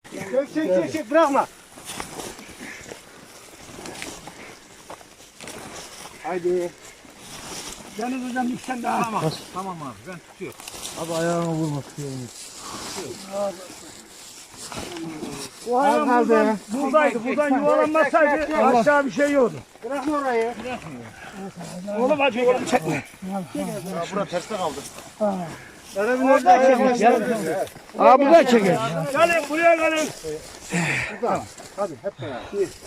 Çek bırakma. Haydi. Deniz hocam sen daha. Tamam abi ben tutuyorum. Abi ayağına vurma. O hayvan buradaydı. Buradan yuvarlanmasaydı aşağı bir şey yoktu. Bırakma orayı. Oğlum acı oğlum çekme. Bura terste kaldı. Orada çekin. Aa burada çekin. Gelin buraya gelin. Hadi hep beraber.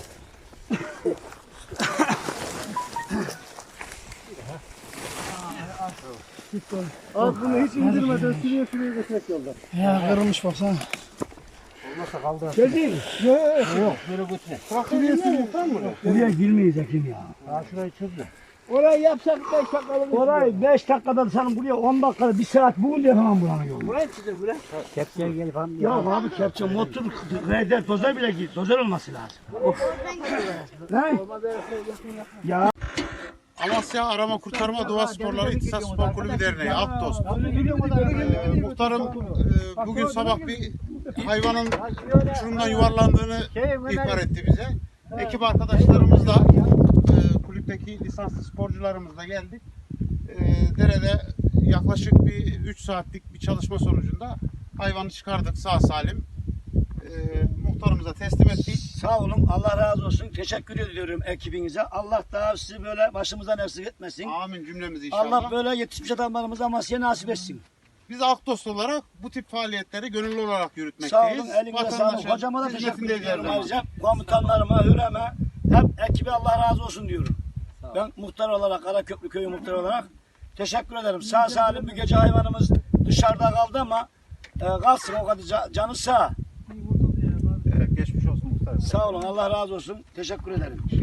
Abi bunu hiç indirmeden sürüye götürmek yolda. Ya kırılmış baksana. Olmazsa kaldı. Geldin. Yok böyle götüne. Sürüye sürüyor mu? Buraya girmeyecek ya. Ha şurayı çöz de. Orayı yapsak 5 dakikalık. Orayı 5 dakikada sen buraya 10 dakikada 1 saat bugün de yapamam buranın yolunu. Burayı çözer buraya. Kepçeye gelip hanım. Ya abi kepçe motor reder dozer bile git. Dozer olması lazım. Of. Ne? Ya. Amasya Arama Kurtarma Doğa Sporları İhtisas Spor Kulübü Derneği Aktos. Muhtarım bugün sabah bir hayvanın uçurumdan yuvarlandığını ihbar etti bize. Ekip arkadaşlarımızla kulüpteki lisanslı sporcularımızla geldik. Derede yaklaşık bir 3 saatlik bir çalışma sonucunda hayvanı çıkardık sağ salim. Muhtarımıza teslim ettik. Sağ olun, Allah razı olsun. Teşekkür ediyorum ekibinize. Allah daha sizi böyle başımızdan eksik etmesin. Amin cümlemizi inşallah. Allah böyle yetişmiş adamlarımıza Amasya'ya nasip etsin. Biz Aktos olarak bu tip faaliyetleri gönüllü olarak Sağ yürütmekteyiz. olun, elinize sağlık. Vatandaşın Hocama da teşekkür hizmetinde ediyorum. diyelim. Ayrıca komutanlarıma, Hürem'e, hep ekibe Allah razı olsun diyorum. Ben muhtar olarak, Karaköprü Köyü muhtarı olarak teşekkür ederim. Sağ salim bir gece hayvanımız dışarıda kaldı ama kalsın o kadar canı sağ. Evet geçmiş olsun muhtar. Sağ olun, Allah razı olsun. Teşekkür ederim.